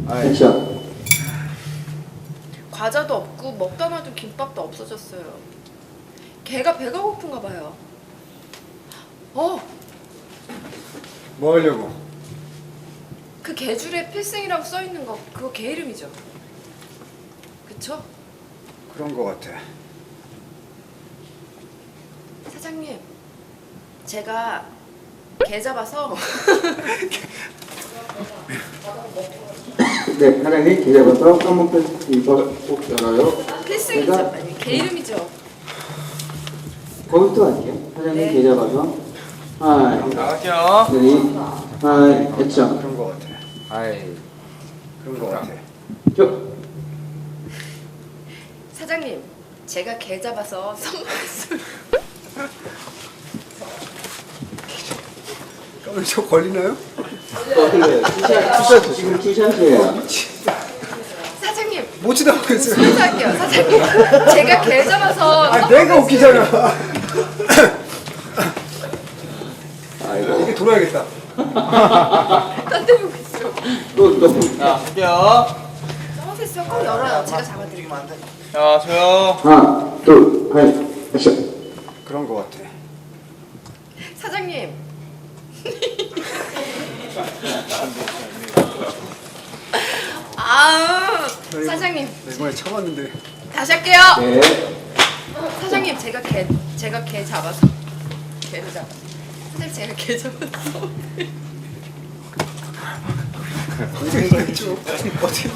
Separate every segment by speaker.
Speaker 1: 액션.
Speaker 2: 과자도 없고 먹다 놔둔 김밥도 없어졌어요. 걔가 배가 고픈가 봐요.
Speaker 3: 뭐 하려고?
Speaker 2: 그 개줄에 필승이라고 써있는 거 그거 걔 이름이죠? 그쵸?
Speaker 3: 그런 거 같아.
Speaker 2: 사장님, 제가 개 잡아서
Speaker 1: 네, 사장님 개 잡아서 썸머 페스티벌 꼭 열어요.
Speaker 2: 필승이죠?
Speaker 1: 제가-
Speaker 2: 아니 걔 이름이죠?
Speaker 1: 거기부터 갈게요. 사장님
Speaker 2: 네.
Speaker 1: 개 잡아서. 하이,
Speaker 4: 나갈게요.
Speaker 1: 쓰리, 하이, 액션.
Speaker 3: 그런 거 같아.
Speaker 4: 아이.
Speaker 3: 그런 거 같아.
Speaker 1: 쭉.
Speaker 2: 사장님, 제가 개 잡아서 선물했어요.
Speaker 3: 그럼 저 걸리나요?
Speaker 1: 투샷, 지금 투샷이에요.
Speaker 2: 사장님,
Speaker 3: 못 지나가겠어요.
Speaker 2: 순서할게요. 사장님, 제가 개 잡아서
Speaker 3: 아, 내가 웃기잖아.
Speaker 1: 아이고.
Speaker 3: 이게 돌아야겠다.
Speaker 2: 딴데 보고 있어.
Speaker 1: 또.
Speaker 4: 자, 할게요.
Speaker 2: 서머페스가 꼭 열어요. 제가 잡아드릴게요.
Speaker 4: 자, 저요.
Speaker 1: 하나, 둘, 하이, 액션.
Speaker 3: 그런 거 같아.
Speaker 2: 사장님. 사장님,
Speaker 3: 나 이번에 참았는데.
Speaker 2: 다시 할게요.
Speaker 1: 네.
Speaker 2: 사장님, 제가 개 잡아서 개를 잡아. 사장님, 제가 개 잡아서.
Speaker 3: 어떻게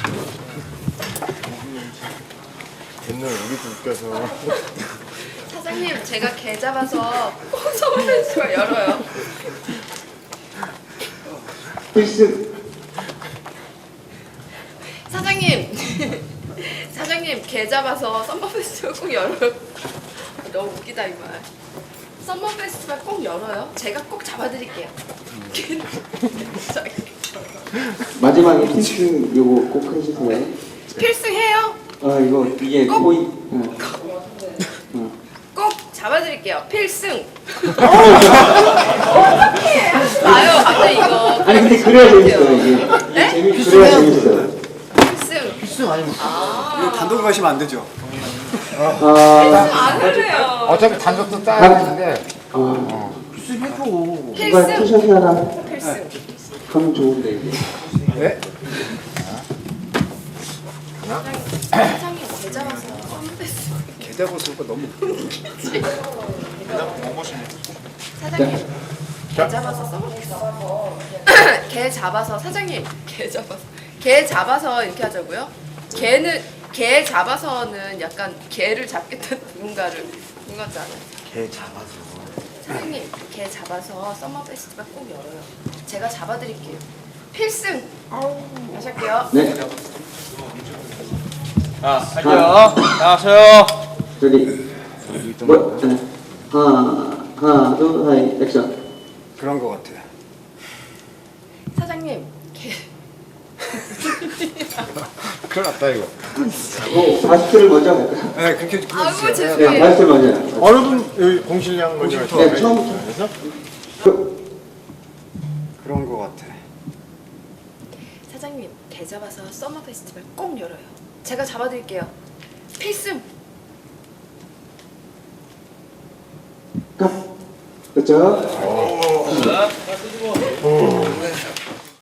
Speaker 4: 옛날 우리도 웃겨서.
Speaker 2: 사장님, 제가 개 잡아서 꼭 서머페스가 열어요.
Speaker 1: 필승.
Speaker 2: 사장님, 사장님 개 잡아서 썸머 페스티벌 꼭 열어요. 너무 웃기다 이 말. 썸머 페스티벌 꼭 열어요. 제가 꼭 잡아드릴게요.
Speaker 1: 마지막에 필승 요거 꼭 해주세요.
Speaker 2: 필승해요.
Speaker 1: 이거 이게
Speaker 2: 꼭.
Speaker 1: 코이.
Speaker 2: 꼭 잡아드릴게요. 필승. 아유, 갑자기 이거.
Speaker 1: 아니 근데 그래야 재밌어요 이게.
Speaker 2: 네?
Speaker 1: 그래야 재밌어요.
Speaker 2: 필승.
Speaker 4: 필승 아니면
Speaker 3: 이거 단독 가시면 안 되죠.
Speaker 2: 안 그래요.
Speaker 4: 어차피 단속도 따야 되는데.
Speaker 1: 필승
Speaker 4: 필승 해줘.
Speaker 1: 누가
Speaker 2: 필승.
Speaker 1: 투샷이 하나
Speaker 2: 필승.
Speaker 1: 하면 좋은데 이게.
Speaker 3: 네?
Speaker 2: 사장님 개 잡아서 썸머 페스티벌.
Speaker 3: 개 잡아서 너무.
Speaker 2: 사장님 개 잡아서 써먹겠어. 개 잡아서 사장님 개 잡아서 이렇게 하자고요. 개 잡아서는 약간 개를 잡겠다는 누군가를 누군가지 않아요.
Speaker 4: 개 잡아서.
Speaker 2: 사장님 개 잡아서 썸머 페스티벌 꼭 열어요. 제가 잡아드릴게요. 필승. 다시 할게요.
Speaker 1: 네.
Speaker 4: 자, 할게요. 자, 저요.
Speaker 1: 저기 뭐 하나 둘 하이 액션.
Speaker 3: 그런 거 같아.
Speaker 2: 사장님 개
Speaker 4: 큰일 났다, 이거.
Speaker 1: 바스트를 먼저 할까요?
Speaker 3: 네, 그렇게
Speaker 2: 아이고
Speaker 3: 끊어주세요.
Speaker 1: 네,
Speaker 2: 죄송해요.
Speaker 1: 바스트 먼저. 할까요?
Speaker 4: 어느 분, 여기 공실량 먼저
Speaker 3: 공실부터.
Speaker 4: 할까요?
Speaker 1: 네, 처음부터.
Speaker 4: 그래서?
Speaker 3: 그런 거 같아.
Speaker 2: 사장님 개 잡아서 썸머 페스티벌 꼭 열어요. 제가 잡아드릴게요. 필승.
Speaker 1: 가. 그렇죠?